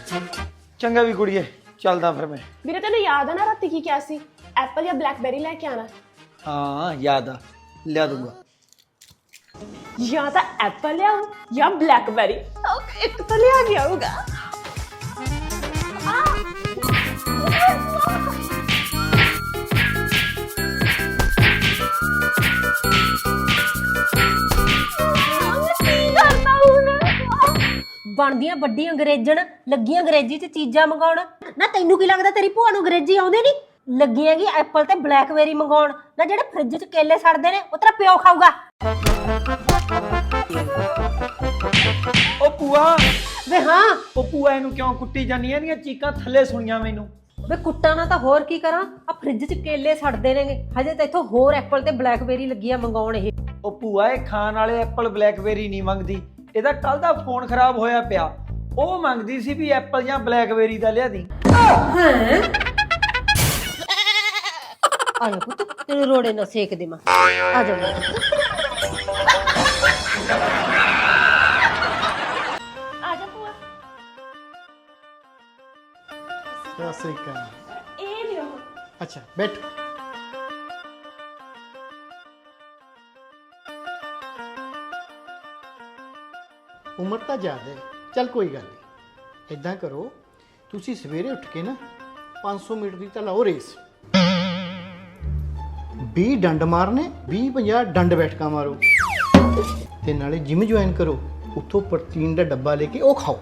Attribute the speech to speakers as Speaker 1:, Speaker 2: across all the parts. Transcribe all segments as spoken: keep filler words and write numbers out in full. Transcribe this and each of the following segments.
Speaker 1: ਚੰਗਾ ਵੀ ਕੁੜੀਏ, ਚੱਲਦਾ ਫਿਰ ਮੈਂ।
Speaker 2: ਵੀਰੇ ਤੈਨੂੰ ਯਾਦ ਆ ਨਾ ਰਾਤੀ ਕੀ ਕਿਹਾ ਸੀ? ਐਪਲ ਜਾਂ ਬਲੈਕਬੈਰੀ ਲੈ ਕੇ ਆਣਾ।
Speaker 1: ਹਾਂ ਯਾਦ ਆ, ਲਿਆ ਦੂੰਗਾ।
Speaker 2: ਜਾਂ ਤਾਂ ਐਪਲ ਲਿਆਓ ਜਾਂ ਬਲੈਕਬੈਰੀ, ਇੱਕ ਤਾਂ ਲਿਆ ਕੇ ਆਊਗਾ।
Speaker 3: ਬਣਦੀਆਂ ਵੱਡੀ ਅੰਗਰੇਜ਼ਣ, ਲੱਗੀਆਂ ਅੰਗਰੇਜ਼ੀ ਚ ਚੀਜ਼ਾਂ ਮੰਗਾਉਣ। ਨਾ ਤੈਨੂੰ ਕੀ ਲੱਗਦਾ ਤੇਰੀ ਭੂਆ ਨੂੰ ਅੰਗਰੇਜ਼ੀ ਆਉਂਦੇ ਨਹੀਂ? ਲੱਗੀ ਹੈਗੀ ਐਪਲ ਤੇ ਬਲੈਕਬੇਰੀ ਮੰਗਾਉਣ। ਨਾ ਜਿਹੜੇ ਫ੍ਰਿਜ ਚ ਕੇਲੇ ਸੜਦੇ ਨੇ ਉਹ ਤੇਰਾ ਪਿਓ ਖਾਊਗਾ।
Speaker 1: ਓ ਭੂਆ
Speaker 3: ਵੇ ਹਾਂ,
Speaker 1: ਓ ਭੂਆ ਇਹਨੂੰ ਕਿਉਂ ਕੁੱਟੀ ਜਾਂਦੀ? ਇਹਦੀਆਂ ਚੀਕਾਂ ਥੱਲੇ ਸੁਣੀਆਂ ਮੈਨੂੰ।
Speaker 3: ਵੇ ਕੁੱਟਾਂ ਨਾ ਤਾਂ ਹੋਰ ਕੀ ਕਰਾਂ? ਆ ਫ੍ਰਿਜ ਚ ਕੇਲੇ ਸੜਦੇ ਨੇਗੇ, ਹਜੇ ਤਾਂ ਇੱਥੋਂ ਹੋਰ ਐਪਲ ਤੇ ਬਲੈਕਬੇਰੀ ਲੱਗੀਆਂ ਮੰਗਾਉਣ। ਇਹ
Speaker 1: ਓ ਭੂਆ ਇਹ ਖਾਣ ਵਾਲੇ ਐਪਲ ਬਲੈਕਬੇਰੀ ਨਹੀਂ ਮੰਗਦੀ। ਇਹਦਾ ਕੱਲ ਦਾ ਫੋਨ ਖਰਾਬ ਹੋਇਆ ਪਿਆ, ਉਹ ਮੰਗਦੀ ਸੀ ਵੀ ਐਪਲ ਜਾਂ ਬਲੈਕਬੇਰੀ ਦਾ ਲਿਆ ਦੀ।
Speaker 3: ਹੈ ਆ ਜਾ ਪੁੱਤ, ਤੇਰੇ ਰੋੜੇ ਨਾ ਸੇਕ ਦੇਵਾਂ। ਆ ਜਾ
Speaker 2: ਆ ਜਾ ਭੂਆ।
Speaker 4: ਸਤਿ ਸ੍ਰੀ ਅਕਾਲ।
Speaker 2: ਇਹ ਲਿਓ।
Speaker 4: ਅੱਛਾ ਬੈਠ। ਉਮਰ ਤਾਂ ਜ਼ਿਆਦਾ ਹੈ, ਚੱਲ ਕੋਈ ਗੱਲ ਨਹੀਂ। ਇਦਾਂ ਕਰੋ, ਤੁਸੀਂ ਸਵੇਰੇ ਉੱਠ ਕੇ ਨਾ ਪੰਜ ਸੌ ਮੀਟਰ ਦੀ ਤਾਂ ਲਾਓ ਰੇਸ। ਵੀਹ ਡੰਡ ਮਾਰਨੇ, ਵੀਹ ਪੰਜਾਹ ਡੰਡ ਬੈਠਕਾਂ ਮਾਰੋ, ਤੇ ਨਾਲੇ ਜਿਮ ਜੁਆਇਨ ਕਰੋ। ਉੱਥੋਂ ਪ੍ਰੋਟੀਨ ਦਾ ਡੱਬਾ ਲੈ ਕੇ ਉਹ ਖਾਓ।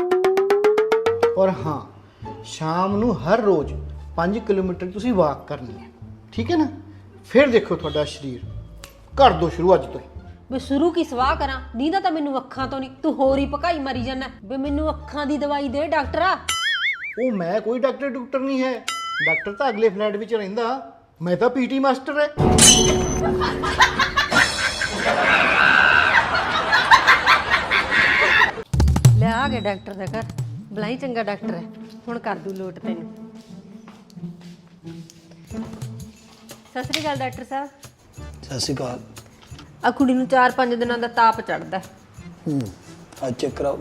Speaker 4: ਔਰ ਹਾਂ, ਸ਼ਾਮ ਨੂੰ ਹਰ ਰੋਜ਼ ਪੰਜ ਕਿਲੋਮੀਟਰ ਤੁਸੀਂ ਵਾਕ ਕਰਨੀ ਹੈ, ਠੀਕ ਹੈ ਨਾ? ਫਿਰ ਦੇਖੋ ਤੁਹਾਡਾ ਸਰੀਰ। ਕਰ ਦੋ ਸ਼ੁਰੂ ਅੱਜ ਤੋਂ ਹੀ।
Speaker 3: ਮੈਂ ਸ਼ੁਰੂ ਕੀ ਸਵਾਹ ਕਰਾਂ? ਨੀਂਦਾ ਤਾਂ ਮੈਨੂੰ ਅੱਖਾਂ ਤੋਂ ਨਹੀਂ, ਤੂੰ ਹੋਰ ਹੀ ਭਕਾਈ ਮਾਰੀ ਜਾਂਦਾ। ਵੇ ਮੈਨੂੰ ਅੱਖਾਂ ਦੀ ਦਵਾਈ ਦੇ ਡਾਕਟਰਾ।
Speaker 4: ਉਹ ਮੈਂ ਕੋਈ ਡਾਕਟਰ ਡਾਕਟਰ ਨਹੀਂ ਹੈ। ਡਾਕਟਰ ਤਾਂ ਅਗਲੇ ਫਲੈਟ ਵਿੱਚ ਰਹਿੰਦਾ, ਮੈਂ ਤਾਂ ਪੀਟੀ ਮਾਸਟਰ ਹੈ।
Speaker 3: ਲੈ ਆ ਗਿਆ ਡਾਕਟਰ ਦਾ ਘਰ। ਬਲਾਈ ਚੰਗਾ ਡਾਕਟਰ ਹੈ, ਹੁਣ ਕਰ ਦੂ ਲੋਟ ਤੈਨੂੰ। ਸਤਿ ਸ੍ਰੀ ਅਕਾਲ ਡਾਕਟਰ ਸਾਹਿਬ।
Speaker 1: ਸਤਿ ਸ਼੍ਰੀ ਅਕਾਲ।
Speaker 3: ਆ ਕੁੜੀ ਨੂੰ ਚਾਰ ਪੰਜ ਦਿਨਾਂ ਦਾ ਤਾਪ ਚੜਦਾ।
Speaker 1: ਹੂੰ ਆ ਚੈੱਕ ਕਰਾਓ।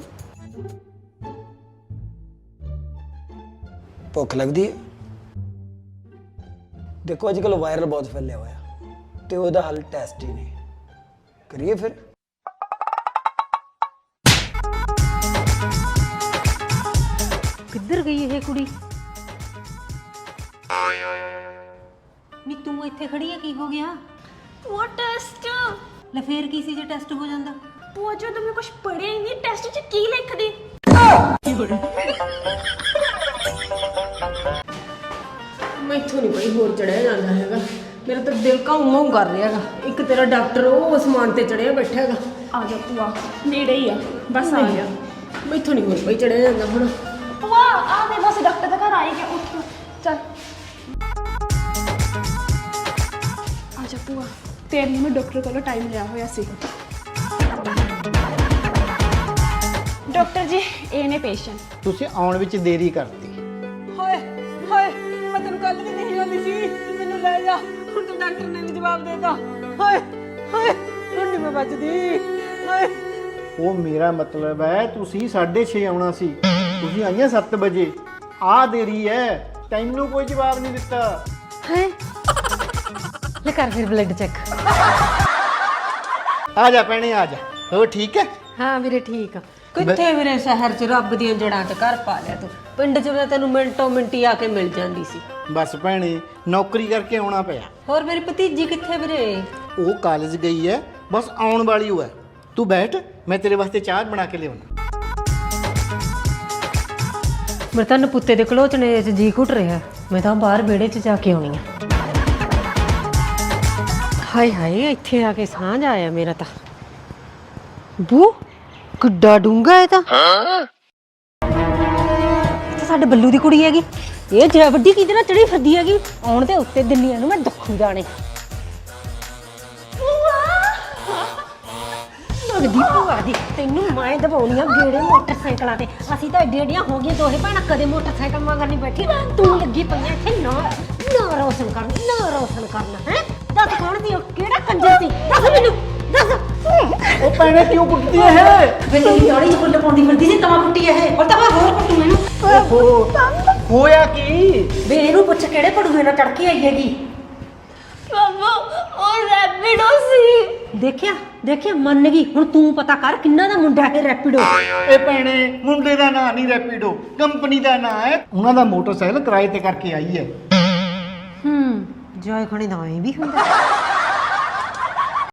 Speaker 1: ਭੁੱਖ ਲੱਗਦੀ ਹੈ? ਦੇਖੋ ਅੱਜ ਕੱਲ ਵਾਇਰਲ ਬਹੁਤ ਫੈਲਿਆ ਹੋਇਆ ਤੇ ਉਹਦਾ ਹੱਲ ਟੈਸਟ ਹੀ ਨਹੀਂ। ਕਰੀਏ ਫਿਰ?
Speaker 3: ਕਿੱਧਰ ਗਈ ਇਹ ਕੁੜੀ? ਨੀ ਤੂੰ ਇੱਥੇ ਖੜੀ ਆ, ਕੀ ਹੋ ਗਿਆ?
Speaker 2: वो टेस्ट
Speaker 3: ਲੈ ਫੇਰ ਕੀ ਸੀ ਜੇ ਟੈਸਟ ਹੋ ਜਾਂਦਾ?
Speaker 2: वो जो तुमने कुछ पढ़े ही नहीं, टेस्ट च की लिख दी?
Speaker 3: ਮੈਥੋਂ ਨਹੀਂ ਬਈ ਹੋਰ ਚੜਿਆ ਜਾਂਦਾ ਹੈਗਾ। ਮੇਰਾ ਤਾਂ ਦਿਲ ਕਾਉਂ ਕਾਉਂ ਕਰ ਰਿਹਾ ਹੈਗਾ। ਇੱਕ ਤੇਰਾ ਡਾਕਟਰ ਉਹ ਅਸਮਾਨ ਤੇ ਚੜਿਆ ਬੈਠਾ ਹੈਗਾ।
Speaker 2: आ जा भूआ, नेड़े ही आ, बस आ गया।
Speaker 3: ਮੈਥੋਂ ਨਹੀਂ ਹੋਰ ਬਈ ਚੜਿਆ ਜਾਂਦਾ ਹੁਣ।
Speaker 2: ਭੂਆ ਆ ਦੇ, ਬਸ ਡਾਕਟਰ ਦਾ ਘਰ ਆ ਹੀ ਗਿਆ। ਉੱਠ ਚੱਲ ਆ ਜਾ ਭੂਆ, ਤੇਰੇ ਲਈ ਮੈਂ ਡਾਕਟਰ ਕੋਲੋਂ ਟਾਈਮ ਲਿਆ ਹੋਇਆ ਸੀ। ਡਾਕਟਰ ਜੀ ਇਹ ਨੇ ਪੇਸ਼ੈਂਟ।
Speaker 4: ਤੁਸੀਂ ਆਉਣ ਵਿੱਚ ਦੇਰੀ ਕਰਤੀ।
Speaker 3: ਹਾਏ ਹਾਏ, ਮੈਂ ਤੈਨੂੰ ਕੱਲ ਵੀ ਨਹੀਂ ਆਉਂਦੀ ਸੀ, ਮੈਨੂੰ ਲੈ ਜਾ। ਹੁਣ ਤਾਂ ਡਾਕਟਰ ਨੇ ਵੀ ਜਵਾਬ ਦੇਤਾ। ਹਾਏ ਹਾਏ, ਹੁਣ ਨਹੀਂ ਮੈਂ ਬਚਦੀ। ਹਾਏ
Speaker 4: ਉਹ ਮੇਰਾ ਮਤਲਬ ਹੈ ਤੁਸੀਂ ਸਾਢੇ ਛੇ ਆਉਣਾ ਸੀ, ਤੁਸੀਂ ਆਈਆਂ ਸੱਤ ਵਜੇ। ਆ ਦੇਰੀ ਹੈ, ਤੈਨੂੰ ਕੋਈ ਜਵਾਬ ਨਹੀਂ ਦਿੱਤਾ।
Speaker 3: ਹਾਏ ਲੈ ਕਰ ਫਿਰ ਬਲੱਡ ਚੈੱਕ।
Speaker 4: ਆ ਜਾ ਭੈਣੇ ਆ ਜਾ। ਹੋ ਠੀਕ ਹੈ?
Speaker 3: ਹਾਂ ਵੀਰੇ ਠੀਕ ਆ। ਕਿੱਥੇ ਵੀਰੇ, ਸ਼ਹਿਰ ਚ ਰੱਬ ਦੀਆਂ ਜੜਾਂ ਚ ਘਰ ਪਾ ਲਿਆ ਤੂੰ। ਪਿੰਡ ਚ ਮੈਂ ਤੈਨੂੰ ਮਿੰਟੋ ਮਿੰਟੀ ਆ ਕੇ ਮਿਲ ਜਾਂਦੀ ਸੀ।
Speaker 4: ਬਸ ਭੈਣੇ ਨੌਕਰੀ ਕਰਕੇ ਆਉਣਾ ਪਿਆ।
Speaker 3: ਹੋਰ ਮੇਰੀ ਭਤੀਜੀ ਕਿੱਥੇ ਵੀਰੇ?
Speaker 4: ਉਹ ਕਾਲਜ ਗਈ ਹੈ, ਬਸ ਆਉਣ ਵਾਲੀ ਹੋ ਹੈ। ਤੂੰ ਬੈਠ, ਮੈਂ ਤੇਰੇ ਵਾਸਤੇ ਚਾਹ ਬਣਾ ਕੇ ਲਿਆਉਣਾ।
Speaker 3: ਮੇਰੇ ਤਾਂ ਨਪੁੱਤੇ ਦੇ ਘਲੋਚਣੇ ਚ ਜੀ ਘੁੱਟ ਰਿਹਾ। ਮੈਂ ਤਾਂ ਬਾਹਰ ਵਿਹੜੇ ਚ ਜਾ ਕੇ ਆਉਣੀ ਆ। ਹਾਏ ਹਾਏ, ਇੱਥੇ ਆ ਕੇ ਸਾਂਝ ਆਇਆ ਮੇਰਾ ਤਾਂ। ਬੂ ਕਿੱਡਾ ਡੂੰਗਾ ਇਹ ਤਾਂ। ਇਹ ਤਾਂ ਸਾਡੇ ਬੱਲੂ ਦੀ ਕੁੜੀ ਹੈਗੀ। ਇਹ ਜਿਹੜਾ ਵੱਡੀ ਕਿਹਦੇ ਨਾਲ ਚੜੀ ਫਿਰਦੀ ਹੈਗੀ। ਆਉਣ ਦੇ ਉੱਤੇ ਦਿੱਲੀਆਂ ਨੂੰ ਮੈਂ ਦੁੱਖੂ ਜਾਣੇ। ਲੱਗਦੀ ਭੂਆ ਦੀ, ਤੈਨੂੰ ਮੈਂ ਦਵਾਉਣੀ ਆ ਗੇੜੇ ਮੋਟਰਸਾਈਕਲਾਂ ਤੇ। ਅਸੀਂ ਤਾਂ ਏਡੀਆਂ ਏਡੀਆਂ ਹੋ ਗਈਆਂ ਦੋਹੇ ਭੈਣਾਂ, ਕਦੇ ਮੋਟਰਸਾਈਕਲ ਮਗਰ ਨਹੀਂ ਬੈਠੀ। ਤੂੰ ਲੱਗੀ ਪਈਆਂ ਇੱਥੇ ਨਾ ਨਾ ਰੋਸ਼ਨ ਕਰਨ, ਨਾ ਰੋਸ਼ਨ ਕਰਨਾ। ਹੈ ਦੱਸ ਕੌਣ ਸੀ ਉਹ? ਕਿਹੜਾ ਕੰਜਰ ਸੀ? ਦੱਸ ਮੈਨੂੰ, ਦੱਸ।
Speaker 4: ਉਹ ਭੈਣੇ ਕਿਉਂ ਕੁੱਟਦੀ ਹੈ?
Speaker 3: ਵੇ ਤੇਰੀ ਦਾੜੀ ਚ ਫੁੱਲ ਪਾਉਂਦੀ ਫਿਰਦੀ ਸੀ ਤਾਂ ਕੁੱਟੀ ਇਹ। ਔਰ ਤਾਂ ਮੈਂ ਹੋਰ ਕੁੱਟੂ ਇਹਨੂੰ।
Speaker 4: ਓਹੋ ਹੋਇਆ ਕੀ?
Speaker 3: ਵੇ ਇਹਨੂੰ ਪੁੱਛ ਕਿਹੜੇ ਪੜੂਏ ਨਾਲ ਚੜ ਕੇ ਆਈ ਹੈਗੀ।
Speaker 2: ਬਾਬਾ ਉਹ ਰੈਪਿਡੋ ਸੀ।
Speaker 3: ਦੇਖਿਆ ਦੇਖਿਆ ਮੰਨ ਗਈ। ਹੁਣ ਤੂੰ ਪਤਾ ਕਰ ਕਿੰਨਾ ਦਾ ਮੁੰਡਾ ਹੈ ਰੈਪਿਡੋ।
Speaker 4: ਇਹ ਭੈਣੇ ਮੁੰਡੇ ਦਾ ਨਾਂ ਨਹੀਂ ਰੈਪੀਡੋ, ਕੰਪਨੀ ਦਾ ਨਾਂ ਹੈ। ਉਹਨਾਂ ਦਾ ਮੋਟਰਸਾਈਕਲ ਕਿਰਾਏ ਤੇ ਕਰਕੇ ਆਈ ਹੈ।
Speaker 3: ਹੂੰ ਜਾਇ ਖਣੀ ਦਾ ਐ ਵੀ ਹੁੰਦਾ।